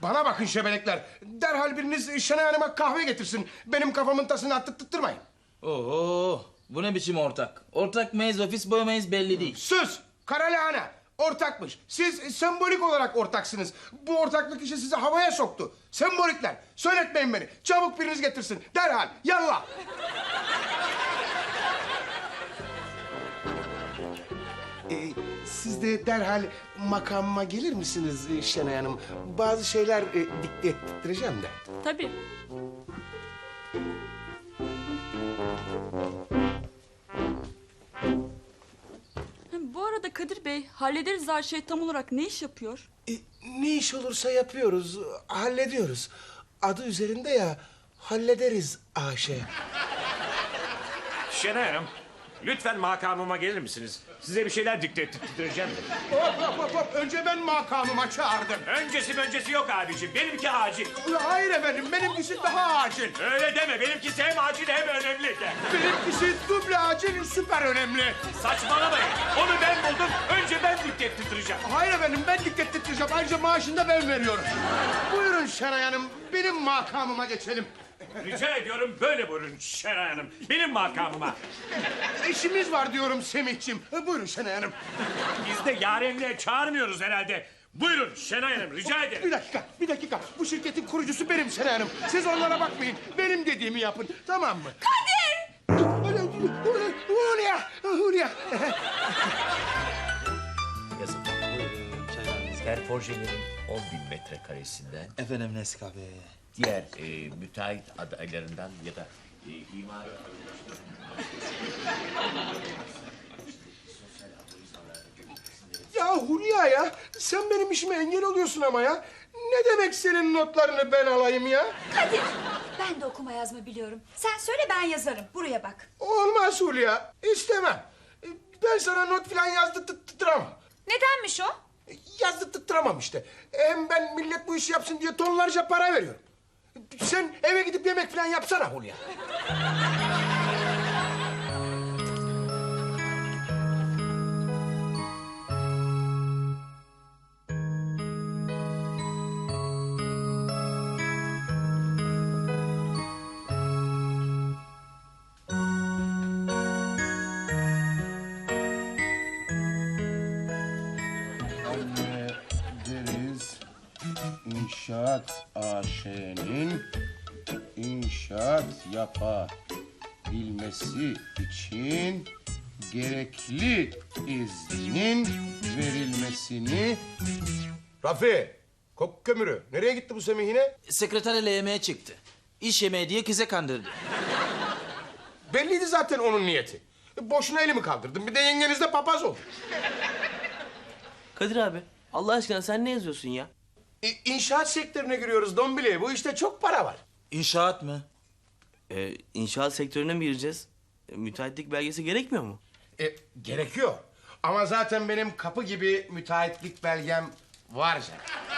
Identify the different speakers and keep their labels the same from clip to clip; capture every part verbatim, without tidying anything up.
Speaker 1: Bana bakın şebelekler. Derhal biriniz Şenay Hanım'a kahve getirsin. Benim kafamın tasını attırtmayın.
Speaker 2: Oo, bu ne biçim ortak? Ortak mıyız, ofis boy muyuz belli değil.
Speaker 1: Sus! Kara lahana! Ortakmış. Siz sembolik olarak ortaksınız. Bu ortaklık işi sizi havaya soktu. Sembolikler. Söyletmeyin beni. Çabuk biriniz getirsin. Derhal. Yallah. Ee, siz de derhal makamıma gelir misiniz Şenay Hanım? Bazı şeyler e, dikte ettireceğim de.
Speaker 3: Tabii. Bu arada Kadir Bey, hallederiz her şey tam olarak ne iş yapıyor?
Speaker 1: E, ne iş olursa yapıyoruz, hallediyoruz. Adı üzerinde ya, hallederiz A Ş.
Speaker 4: Şenay Hanım, lütfen makamıma gelir misiniz? Size bir şeyler dikte ettireceğim de.
Speaker 1: Hop hop hop hop, önce ben makamıma çağırdım.
Speaker 4: Öncesi öncesi yok abiciğim, benimki acil.
Speaker 1: Hayır efendim, benimkisi daha acil.
Speaker 4: Öyle deme, benimkisi hem acil hem önemli de.
Speaker 1: Benimkisi duble acil, süper önemli.
Speaker 4: Saçmalamayın, onu ben buldum, önce ben dikte ettireceğim.
Speaker 1: Hayır efendim, ben dikkat ettireceğim. Ayrıca maaşını da ben veriyorum. Buyurun Şenay Hanım, benim makamıma geçelim.
Speaker 4: Rica ediyorum, böyle buyurun Şenay Hanım, benim makamıma.
Speaker 1: İşimiz var diyorum Semihciğim. Buyurun Şenay Hanım.
Speaker 4: Biz de yarenliğe çağırmıyoruz herhalde. Buyurun Şenay Hanım, rica
Speaker 1: Bir
Speaker 4: ederim.
Speaker 1: dakika, bir dakika. Bu şirketin kurucusu benim Şenay Hanım. Siz onlara bakmayın. Benim dediğimi yapın, tamam mı?
Speaker 3: Kadir!
Speaker 1: Hulya, Hulya.
Speaker 5: Yazın. Her projelerin on bin metrekaresinden
Speaker 2: Efendim Nescafe.
Speaker 5: diğer e, müteahhit adaylarından ya da e, imar...
Speaker 1: Ya Hulya ya, sen benim işime engel oluyorsun ama ya. Ne demek senin notlarını ben alayım ya?
Speaker 6: Kadir, ben de okuma yazma biliyorum. Sen söyle ben yazarım. Buraya bak.
Speaker 1: Olmaz Hulya, istemem. Ben sana not falan yazdırttıramam.
Speaker 6: Nedenmiş o?
Speaker 1: Yazdırttıramam işte. Hem ben millet bu işi yapsın diye tonlarca para veriyorum. Sen eve gidip yemek falan yapsana Hulya. Deriz İnşaat A Ş'nin inşaat yapabilmesi için gerekli iznin verilmesini... Rafi, kok kömürü. Nereye gitti bu Semih yine?
Speaker 2: Sekreterle yemeğe çıktı. İş yemeği diye kıza kandırdı.
Speaker 1: Belliydi zaten onun niyeti. Boşuna elimi kaldırdım. Bir de yengeniz de papaz oldu.
Speaker 7: Kadir abi, Allah aşkına sen ne yazıyorsun ya?
Speaker 1: İ- İnşaat sektörüne giriyoruz Dombili. Bu işte çok para var.
Speaker 2: İnşaat mı?
Speaker 7: Ee, inşaat sektörüne mi gireceğiz? E, müteahhitlik belgesi gerekmiyor mu?
Speaker 1: E, gerekiyor. Ama zaten benim kapı gibi müteahhitlik belgem var canım.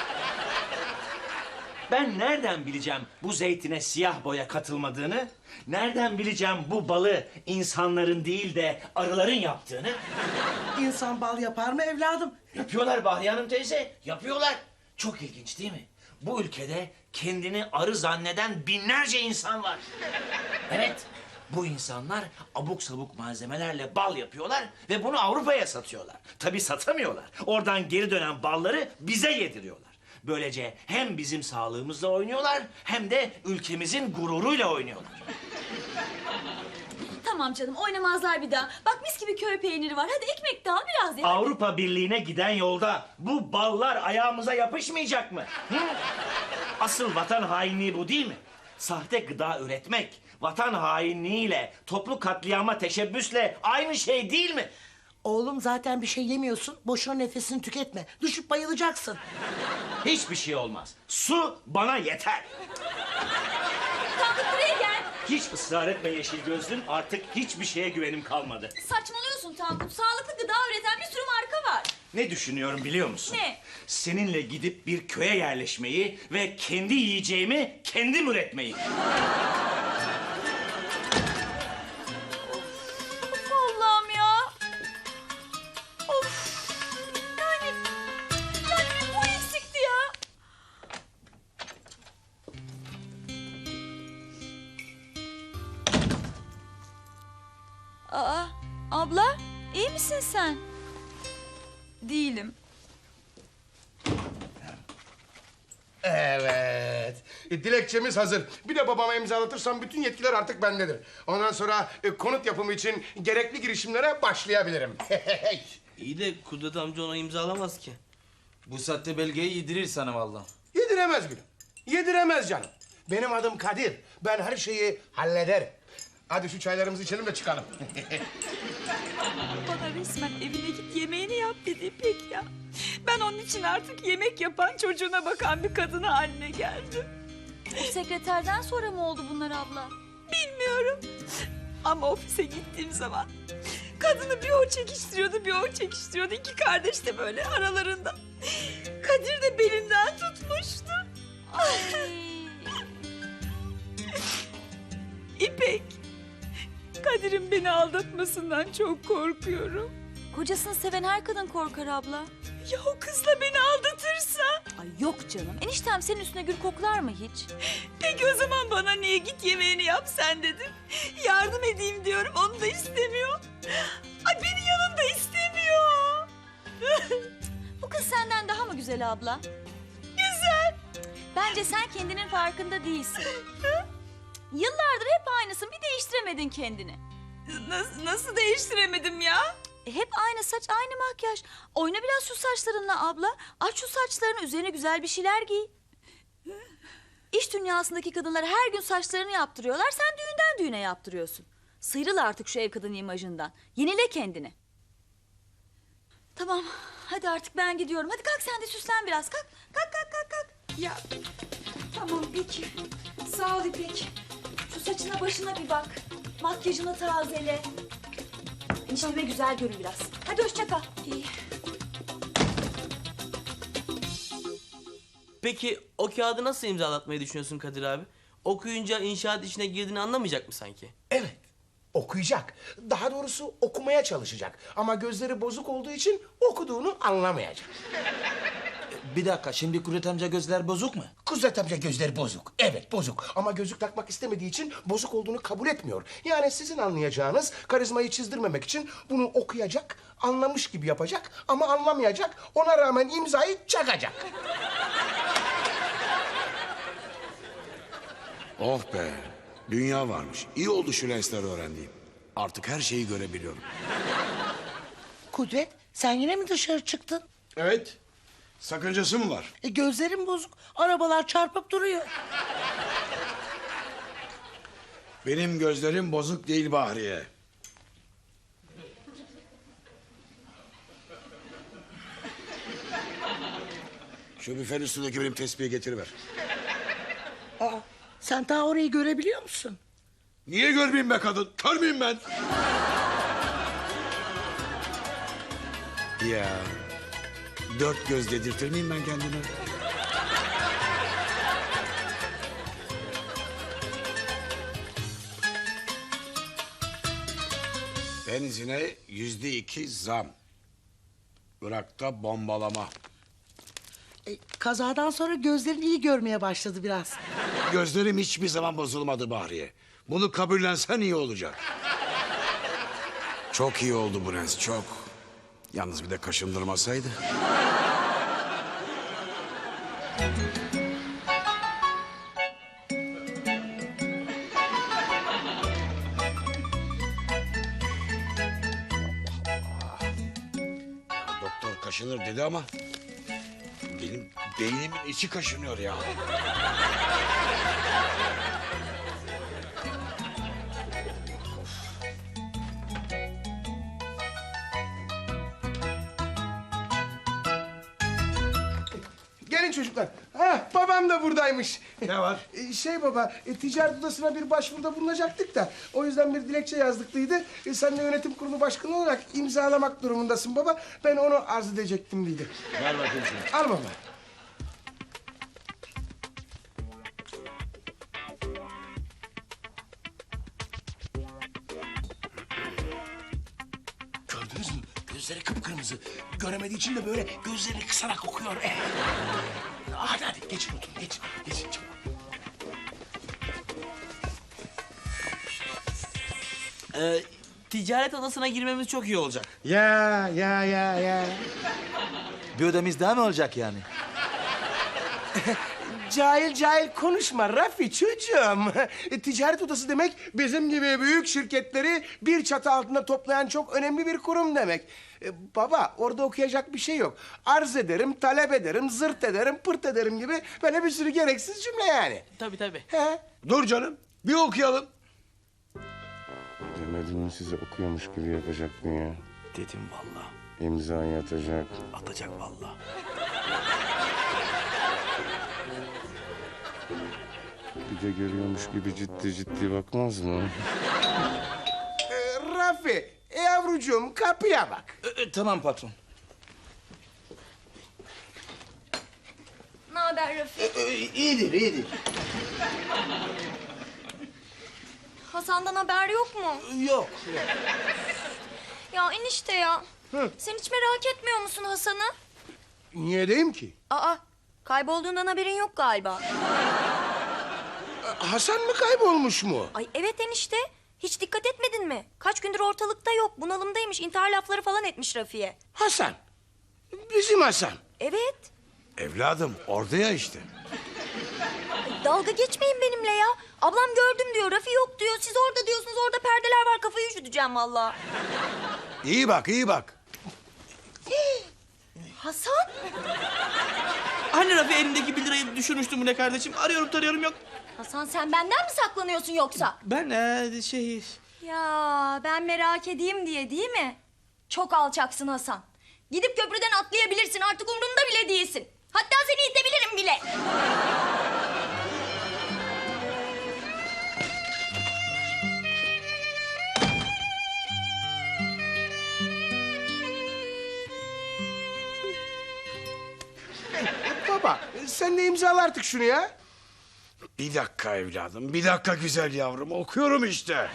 Speaker 8: Ben nereden bileceğim bu zeytine siyah boya katılmadığını? Nereden bileceğim bu balı insanların değil de arıların yaptığını?
Speaker 9: İnsan bal yapar mı evladım?
Speaker 8: Yapıyorlar Bahriye Hanım teyze, yapıyorlar. Çok ilginç değil mi? Bu ülkede kendini arı zanneden binlerce insan var. Evet, bu insanlar abuk sabuk malzemelerle bal yapıyorlar ve bunu Avrupa'ya satıyorlar. Tabii satamıyorlar. Oradan geri dönen balları bize yediriyorlar. Böylece hem bizim sağlığımızla oynuyorlar hem de ülkemizin gururuyla oynuyorlar.
Speaker 6: Tamam canım oynamazlar bir daha. Bak mis gibi köy peyniri var. Hadi ekmek de al biraz ya.
Speaker 8: Avrupa Birliği'ne giden yolda bu ballar ayağımıza yapışmayacak mı? Hı? Asıl vatan hainliği bu değil mi? Sahte gıda üretmek, vatan hainliğiyle, toplu katliama teşebbüsle aynı şey değil mi?
Speaker 9: Oğlum zaten bir şey yemiyorsun. Boşuna nefesini tüketme. Düşüp bayılacaksın.
Speaker 8: Hiçbir şey olmaz. Su bana yeter.
Speaker 6: Tankut buraya gel.
Speaker 8: Hiç ısrar etme yeşil gözlüm. Artık hiçbir şeye güvenim kalmadı.
Speaker 6: Saçmalıyorsun Tankut. Sağlıklı gıda üreten bir sürü marka var.
Speaker 8: Ne düşünüyorum biliyor musun?
Speaker 6: Ne?
Speaker 8: Seninle gidip bir köye yerleşmeyi ve kendi yiyeceğimi kendim üretmeyi.
Speaker 6: Of Allah'ım ya. Of. Yani, yani bir bu eksikti ya.
Speaker 3: misin sen? Değilim.
Speaker 1: Evet. E, dilekçemiz hazır. Bir de babama imzalatırsam bütün yetkiler artık bendedir. Ondan sonra e, konut yapımı için gerekli girişimlere başlayabilirim.
Speaker 7: İyi de Kudret amca ona imzalamaz ki.
Speaker 2: Bu saatte belgeyi yedirir sana vallahi.
Speaker 1: Yediremez gülüm. Yediremez canım. Benim adım Kadir. Ben her şeyi hallederim. Hadi şu çaylarımızı içelim de çıkalım.
Speaker 3: Bana resmen evine git yemeğini yap dedi İpek ya. Ben onun için artık yemek yapan, çocuğuna bakan bir kadın haline geldim.
Speaker 6: O sekreterden sonra mı oldu bunlar abla?
Speaker 3: Bilmiyorum. Ama ofise gittiğim zaman kadını bir o çekiştiriyordu, bir o çekiştiriyordu. İki kardeş de böyle aralarında. Kadir de belinden tutmuştu.
Speaker 6: Ay.
Speaker 3: İpek, Kadir'in beni aldatmasından çok korkuyorum.
Speaker 6: Kocasını seven her kadın korkar abla.
Speaker 3: Ya o kızla beni aldatırsa?
Speaker 6: Ay yok canım. Eniştem senin üstüne gül koklar mı hiç?
Speaker 3: Peki o zaman bana niye git yemeğini yap sen dedin? Yardım edeyim diyorum, onu da istemiyor. Ay beni yanında istemiyor.
Speaker 6: Bu kız senden daha mı güzel abla?
Speaker 3: Güzel.
Speaker 6: Bence sen kendinin farkında değilsin. Yıllardır hep aynısın. Bir değiştiremedin kendini.
Speaker 3: Nasıl, nasıl değiştiremedim ya?
Speaker 6: E, hep aynı saç, aynı makyaj. Oyna biraz şu saçlarınla abla. Aç şu saçlarını, üzerine güzel bir şeyler giy. İş dünyasındaki kadınlar her gün saçlarını yaptırıyorlar. Sen düğünden düğüne yaptırıyorsun. Sıyrıl artık şu ev kadını imajından. Yenile kendini. Tamam, hadi artık ben gidiyorum. Hadi kalk sen de süslen biraz. Kalk, kalk, kalk, kalk, kalk.
Speaker 3: Ya tamam peki. Sağ ol İpek.
Speaker 6: Şu saçına başına bir bak. Makyajını tazele. Enişteme güzel görün biraz. Hadi hoşça kal. İyi.
Speaker 7: Peki o kağıdı nasıl imzalatmayı düşünüyorsun Kadir abi? Okuyunca inşaat işine girdiğini anlamayacak mı sanki?
Speaker 1: Evet. Okuyacak. Daha doğrusu okumaya çalışacak. Ama gözleri bozuk olduğu için okuduğunu anlamayacak.
Speaker 2: Bir dakika, şimdi Kudret amca gözler bozuk mu?
Speaker 1: Kudret amca gözleri bozuk. Evet bozuk. Ama gözlük takmak istemediği için bozuk olduğunu kabul etmiyor. Yani sizin anlayacağınız karizmayı çizdirmemek için bunu okuyacak, anlamış gibi yapacak ama anlamayacak. Ona rağmen imzayı çakacak.
Speaker 10: Oh be, dünya varmış. İyi oldu şu lensleri öğrendiğim. Artık her şeyi görebiliyorum.
Speaker 9: Kudret sen yine mi dışarı çıktın?
Speaker 10: Evet. Sakıncası mı var?
Speaker 9: E, gözlerim bozuk. Arabalar çarpıp duruyor.
Speaker 10: Benim gözlerim bozuk değil Bahriye. Şu büfenin üstündeki benim tespihi getiriver.
Speaker 9: Aa, sen daha orayı görebiliyor musun?
Speaker 10: Niye görmeyeyim be kadın? Kör müyüm ben? Ya, dört göz dedirtir miyim ben kendime? Benzine yüzde iki zam. Irak'ta bombalama.
Speaker 9: E, kazadan sonra gözlerin iyi görmeye başladı biraz.
Speaker 10: Gözlerim hiçbir zaman bozulmadı Bahriye. Bunu kabullensen iyi olacak. Çok iyi oldu bu lens, çok. Yalnız bir de kaşındırmasaydı. Ya doktor kaşınır dedi ama... benim beynimin içi kaşınıyor ya.
Speaker 1: Gelin çocuklar. Ha, babam da buradaymış.
Speaker 10: Ne var?
Speaker 1: E, Şey baba, e, ticaret odasına bir başvuruda bulunacaktık da... ...o yüzden bir dilekçe yazdıklıydı. E, sen de yönetim kurulu başkanı olarak imzalamak durumundasın baba. Ben onu arz edecektim dedi.
Speaker 10: Ver bakayım şunu.
Speaker 1: Al baba. Gördünüz mü? Gözleri kıpkırmızı. Göremediği için de böyle gözlerini kısarak okuyor. Eh. Hadi hadi geçin oturun geç. Geçin çabuk.
Speaker 7: Ee, ticaret odasına girmemiz çok iyi olacak.
Speaker 1: Ya ya ya ya.
Speaker 2: Bir odamız daha mı olacak yani?
Speaker 1: Cahil cahil konuşma Rafi çocuğum. Ticaret odası demek bizim gibi büyük şirketleri bir çatı altında toplayan çok önemli bir kurum demek. E, baba orada okuyacak bir şey yok. Arz ederim, talep ederim, zırt ederim, pırt ederim gibi böyle bir sürü gereksiz cümle yani.
Speaker 7: Tabii tabii.
Speaker 1: He?
Speaker 10: Dur canım. Bir okuyalım.
Speaker 1: Demedim mi size okuyormuş gibi yapacaktın ya.
Speaker 7: Dedim vallahi.
Speaker 1: İmzayı atacak.
Speaker 7: Atacak vallahi.
Speaker 1: Bir de görüyormuş gibi ciddi ciddi bakmaz mı? Ee, Rafi, yavrucuğum kapıya bak.
Speaker 2: E, e, tamam patron.
Speaker 6: Ne haber Rafi?
Speaker 2: iyidir, iyidir.
Speaker 6: Hasan'dan haber yok mu?
Speaker 2: Yok.
Speaker 6: Ya enişte ya. Sen hiç merak etmiyor musun Hasan'ı?
Speaker 1: Niye diyeyim ki?
Speaker 6: Aa, kaybolduğundan haberin yok galiba.
Speaker 1: Hasan mı kaybolmuş mu?
Speaker 6: Ay evet enişte. Hiç dikkat etmedin mi? Kaç gündür ortalıkta yok. Bunalımdaymış. İntihar lafları falan etmiş Rafi'ye.
Speaker 1: Hasan. Bizim Hasan.
Speaker 6: Evet.
Speaker 10: Evladım orada ya işte.
Speaker 6: Dalga geçmeyin benimle ya. Ablam gördüm diyor. Rafi yok diyor. Siz orada diyorsunuz. Orada perdeler var. Kafayı üşüteceğim vallahi.
Speaker 10: İyi bak iyi bak.
Speaker 6: Hasan.
Speaker 7: Hani Rafi elindeki bir lirayı düşürmüştü bu ne kardeşim? Arıyorum tarıyorum yok.
Speaker 6: Hasan sen benden mi saklanıyorsun yoksa?
Speaker 7: Ben ee, şey...
Speaker 6: Ya ben merak edeyim diye değil mi? Çok alçaksın Hasan. Gidip köprüden atlayabilirsin. Artık umurumda bile değilsin. Hatta seni itebilirim bile.
Speaker 1: Baba sen de imzala artık şunu ya.
Speaker 10: Bir dakika evladım. Bir dakika güzel yavrum. Okuyorum işte.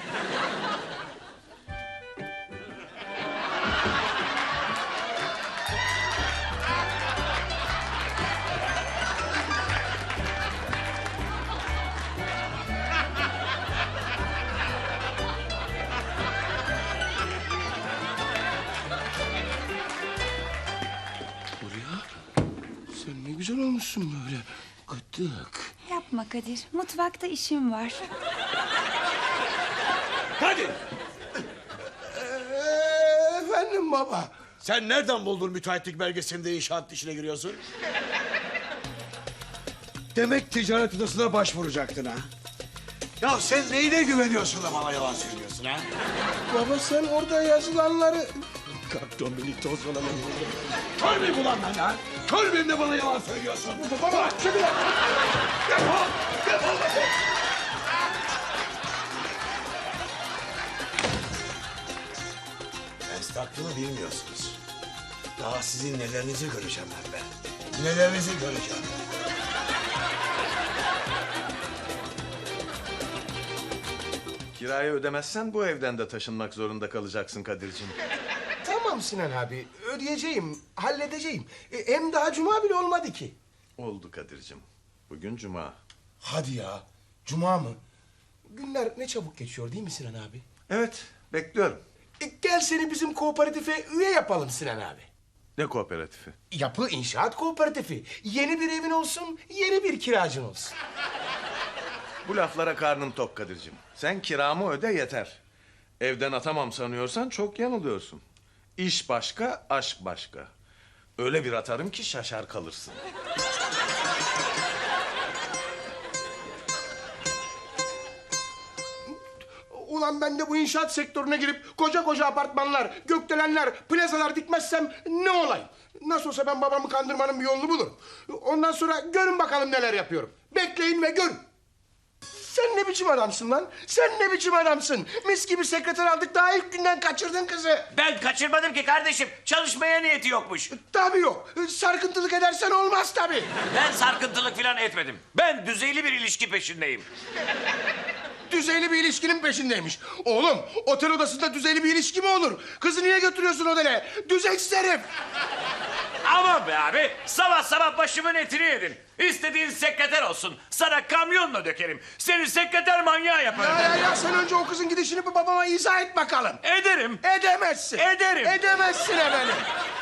Speaker 1: Sen ne güzel olmuşsun böyle. Gıdık.
Speaker 3: Yapma Kadir. Mutfakta işim var.
Speaker 10: Hadi.
Speaker 1: Ee, efendim baba.
Speaker 10: Sen nereden buldun müteahhitlik belgesinde inşaat işine giriyorsun? Demek ticaret odasına başvuracaktın ha? Ya sen neyine güveniyorsun da bana yalan söylüyorsun ha?
Speaker 1: Baba sen orada yazılanları...
Speaker 10: Kalk Dominik toz falan. Kör müyüm ulan ben ha? Kör müyüm de bana yalan söylüyorsun?
Speaker 1: Baba çekil.
Speaker 10: Defol! Defol! Esnaflığını bilmiyorsunuz. Daha sizin nelerinizi göreceğim ben be. Nelerinizi göreceğim.
Speaker 11: Kirayı ödemezsen bu evden de taşınmak zorunda kalacaksın Kadir'cim.
Speaker 1: Tamam Sinan abi ödeyeceğim, halledeceğim. E, hem daha cuma bile olmadı ki.
Speaker 11: Oldu Kadir'cim. Bugün cuma.
Speaker 1: Hadi ya, cuma mı? Günler ne çabuk geçiyor değil mi Sinan abi?
Speaker 11: Evet, bekliyorum.
Speaker 1: E, gel seni bizim kooperatife üye yapalım Sinan abi.
Speaker 11: Ne kooperatifi?
Speaker 1: Yapı İnşaat Kooperatifi. Yeni bir evin olsun, yeni bir kiracın olsun.
Speaker 11: Bu laflara karnım tok Kadir'cim. Sen kiramı öde yeter. Evden atamam sanıyorsan çok yanılıyorsun. İş başka, aşk başka. Öyle bir atarım ki şaşar kalırsın.
Speaker 1: Ulan ben de bu inşaat sektörüne girip koca koca apartmanlar, gökdelenler, plazalar dikmezsem ne olayım? Nasıl olsa ben babamı kandırmanın bir yolunu bulurum. Ondan sonra görün bakalım neler yapıyorum. Bekleyin ve görün. Sen ne biçim adamsın lan? Sen ne biçim adamsın? Mis gibi sekreter aldık daha ilk günden kaçırdın kızı.
Speaker 8: Ben kaçırmadım ki kardeşim. Çalışmaya niyeti yokmuş.
Speaker 1: Tabii yok. Sarkıntılık edersen olmaz tabii.
Speaker 8: Ben sarkıntılık falan etmedim. Ben düzeyli bir ilişki peşindeyim.
Speaker 1: Düzeyli bir ilişkinin peşindeymiş. Oğlum otel odasında düzeyli bir ilişki mi olur? Kızı niye götürüyorsun otele? Düzeksiz herif.
Speaker 4: Aman be abi, sabah sabah başımın etini yedin. İstediğin sekreter olsun. Sana kamyonla dökerim. Seni sekreter manyağı yaparım.
Speaker 1: Ya ya ya sen önce o kızın gidişini bir babama izah et bakalım.
Speaker 4: Ederim.
Speaker 1: Edemezsin.
Speaker 4: Ederim.
Speaker 1: Edemezsin efendim.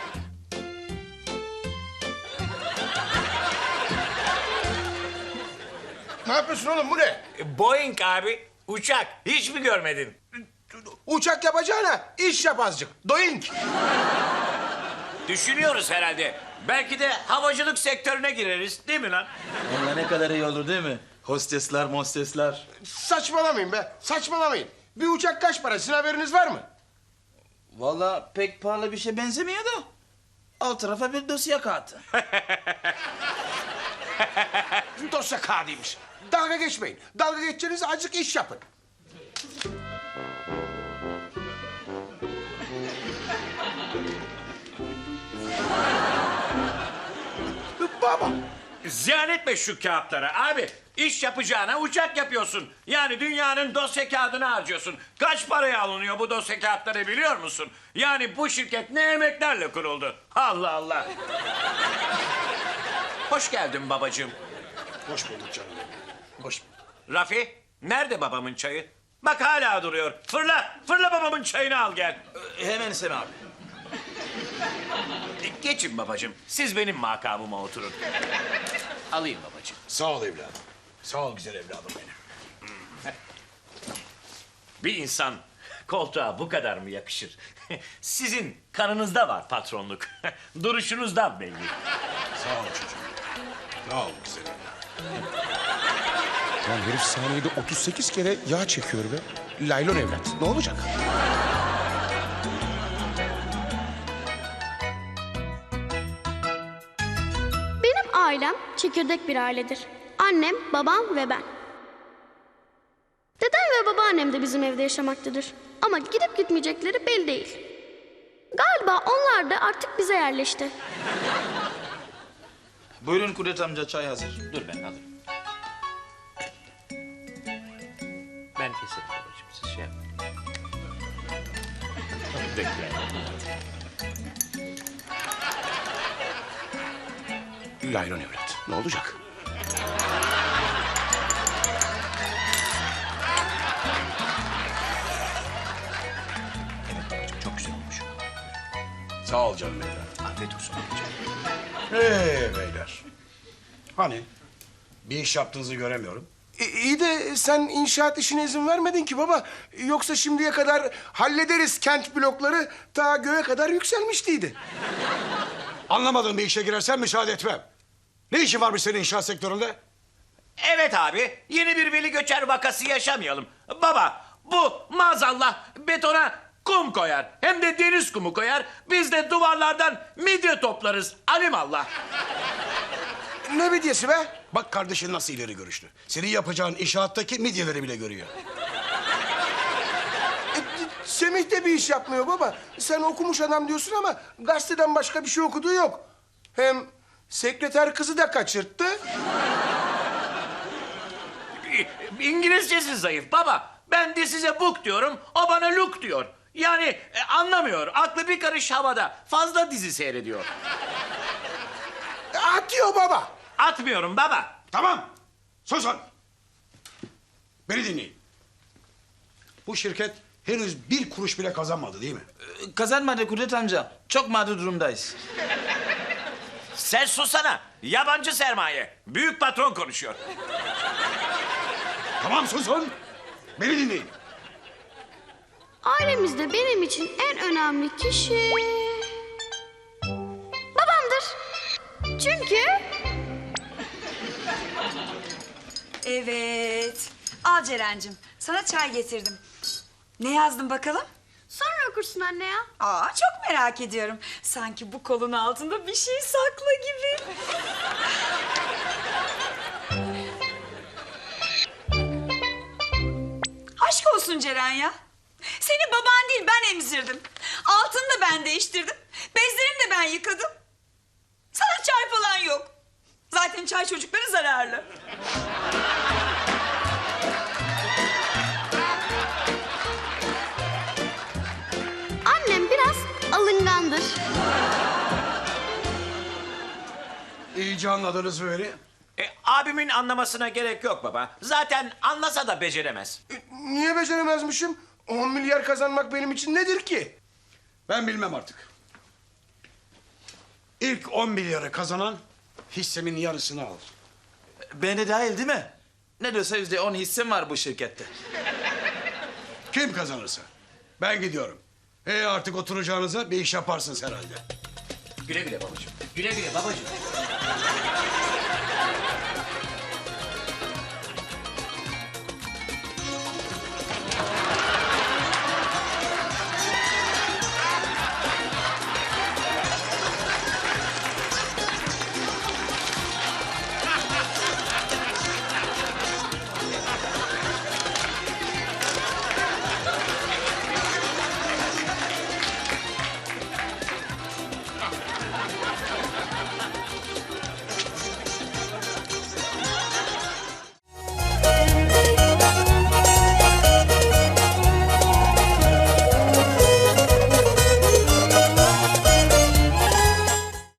Speaker 1: Ne yapıyorsun oğlum, bu ne?
Speaker 8: Boeing abi, uçak. Hiç mi görmedin?
Speaker 1: Uçak yapacağına iş yap azıcık. Doink.
Speaker 8: Düşünüyoruz herhalde. Belki de havacılık sektörüne gireriz, değil mi lan?
Speaker 2: Vallahi ne kadar iyi olur değil mi? Hostesler, mostesler.
Speaker 1: Saçmalamayın be, saçmalamayın. Bir uçak kaç para, sizin haberiniz var mı?
Speaker 2: Vallahi pek pahalı bir şey benzemiyor da. Alt tarafa bir dosya kağıdı.
Speaker 1: Dosya kağıdıymış. Dalga geçmeyin. Dalga geçeceğiniz azıcık iş yapın. Baba.
Speaker 4: Ziyan etme şu kağıtları abi. İş yapacağına uçak yapıyorsun. Yani dünyanın dosya kağıdını harcıyorsun. Kaç paraya alınıyor bu dosya kağıtları biliyor musun? Yani bu şirket ne emeklerle kuruldu. Allah Allah. Hoş geldin babacığım.
Speaker 1: Hoş bulduk canım. Hoş
Speaker 4: Rafi, nerede babamın çayı? Bak hala duruyor. Fırla, fırla babamın çayını al gel.
Speaker 2: Hemen Sem abi.
Speaker 4: Geçin babacığım. Siz benim makamıma oturun. Alayım babacığım.
Speaker 1: Sağ ol evladım. Sağ ol güzel evladım benim.
Speaker 4: Bir insan koltuğa bu kadar mı yakışır? Sizin kanınızda var patronluk. Duruşunuzdan belli.
Speaker 1: Sağ ol çocuğum. Sağ ol güzel evladım. Lan herif saniyede otuz sekiz kere yağ çekiyor be. Laylon evlat. Ne olacak?
Speaker 12: Benim ailem çekirdek bir ailedir. Annem, babam ve ben. Dedem ve babaannem de bizim evde yaşamaktadır. Ama gidip gitmeyecekleri belli değil. Galiba onlar da artık bize yerleşti.
Speaker 2: Buyurun Kudret amca, çay hazır.
Speaker 8: Dur ben alırım. Ben keserim babacığım, siz şey yapmayın. Bekle.
Speaker 1: Laylon evlat. Ne olacak?
Speaker 8: Evet babacığım, çok güzel olmuş.
Speaker 1: Sağ ol canım evlat.
Speaker 8: Afiyet olsun babacığım.
Speaker 10: Ee beyler. Hani bir iş yaptığınızı göremiyorum.
Speaker 1: E, iyi de sen inşaat işine izin vermedin ki baba. Yoksa şimdiye kadar hallederiz kent blokları ta göğe kadar yükselmiştiydi.
Speaker 10: Anlamadığım bir işe girersen müsaade etmem. Ne işin varmış senin inşaat sektöründe?
Speaker 4: Evet abi, yeni bir veli göçer vakası yaşamayalım. Baba, bu maazallah betona kum koyar. Hem de deniz kumu koyar. Biz de duvarlardan midye toplarız. Alimallah.
Speaker 1: Ne midyesi be?
Speaker 10: Bak kardeşin nasıl ileri görüşlü. Senin yapacağın inşaattaki midyeleri bile görüyor.
Speaker 1: E, Semih de bir iş yapmıyor baba. Sen okumuş adam diyorsun ama gazeteden başka bir şey okuduğu yok. Hem sekreter kızı da kaçırttı.
Speaker 4: İngilizcesi zayıf baba. Ben de size book diyorum, o bana look diyor. Yani e, anlamıyor, aklı bir karış havada. Fazla dizi seyrediyor.
Speaker 1: E, atıyor baba.
Speaker 4: Atmıyorum baba.
Speaker 10: Tamam. Susun. Beni dinleyin. Bu şirket henüz bir kuruş bile kazanmadı değil mi?
Speaker 2: Ee, Kazanmadı Kudret amca. Çok mağdur durumdayız.
Speaker 4: Sen susana. Yabancı sermaye. Büyük patron konuşuyor.
Speaker 10: Tamam susun. Beni dinleyin.
Speaker 12: Ailemizde benim için en önemli kişi... babamdır. Çünkü...
Speaker 3: Evet. Al Ceren'cim. Sana çay getirdim. Ne yazdın bakalım?
Speaker 12: Sonra okursun anne ya.
Speaker 3: Aa, çok merak ediyorum. Sanki bu kolun altında bir şey saklı gibi. Aşk olsun Ceren ya. Seni baban değil ben emzirdim. Altını da ben değiştirdim. Bezlerini de ben yıkadım. Sana çay falan yok. Zaten çay çocukları zararlı.
Speaker 12: Annem biraz alıngandır.
Speaker 10: İyice anladınız mı beni?
Speaker 4: E, abimin anlamasına gerek yok baba. Zaten anlasa da beceremez.
Speaker 1: E, niye beceremezmişim? On milyar kazanmak benim için nedir ki?
Speaker 10: Ben bilmem artık. İlk on milyarı kazanan hissemin yarısını alır.
Speaker 2: Ben de dahil değil mi? Ne diyorsa yüzde on hissem var bu şirkette.
Speaker 10: Kim kazanırsa. Ben gidiyorum. E artık oturacağınıza bir iş yaparsınız herhalde.
Speaker 5: Güle güle babacığım. Güle güle babacığım.